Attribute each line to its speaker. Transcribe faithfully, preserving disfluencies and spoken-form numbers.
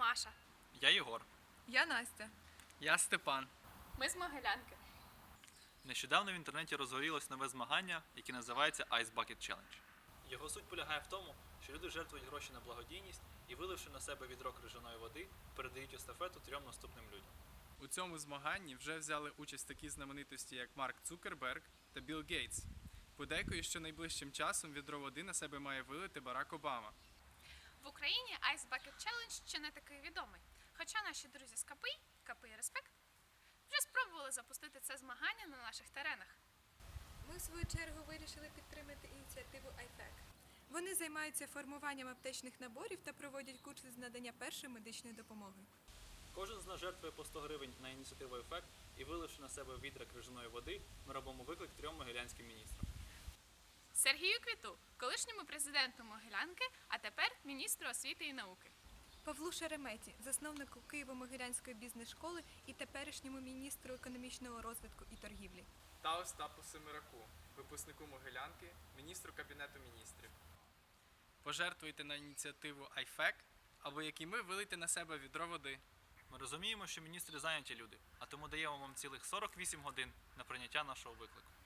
Speaker 1: Маша.
Speaker 2: Я Єгор.
Speaker 3: Я Настя.
Speaker 4: Я Степан.
Speaker 1: Ми з Могилянки.
Speaker 2: Нещодавно в інтернеті розгорілось нове змагання, яке називається Ice Bucket Challenge. Його суть полягає в тому, що люди жертвують гроші на благодійність і, виливши на себе відро крижаної води, передають естафету трьом наступним людям.
Speaker 4: У цьому змаганні вже взяли участь такі знаменитості, як Марк Цукерберг та Білл Гейтс. Подейкують, що найближчим часом відро води на себе має вилити Барак Обама.
Speaker 1: В Україні Ice Bucket Challenge ще не такий відомий. Хоча наші друзі з КПІ, КПІ Респект, вже спробували запустити це змагання на наших теренах.
Speaker 3: Ми, в свою чергу, вирішили підтримати ініціативу айфек. Вони займаються формуванням аптечних наборів та проводять курси з надання першої медичної допомоги.
Speaker 2: Кожен з нас жертвує по сто гривень на ініціативу «Ефект» і, виливши на себе відра крижаної води, ми робимо виклик трьом могилянським міністрам.
Speaker 1: Сергію Квіту, колишньому президенту Могилянки, а тепер міністру освіти і науки.
Speaker 3: Павлу Шереметі, засновнику Києво-Могилянської бізнес-школи і теперішньому міністру економічного розвитку і торгівлі.
Speaker 4: Та Остапу Семираку, випускнику Могилянки, міністру Кабінету міністрів. Пожертвуйте на ініціативу айфек, або як і ми, вилийте на себе відро води.
Speaker 2: Ми розуміємо, що міністри зайняті люди, а тому даємо вам цілих сорок вісім годин на прийняття нашого виклику.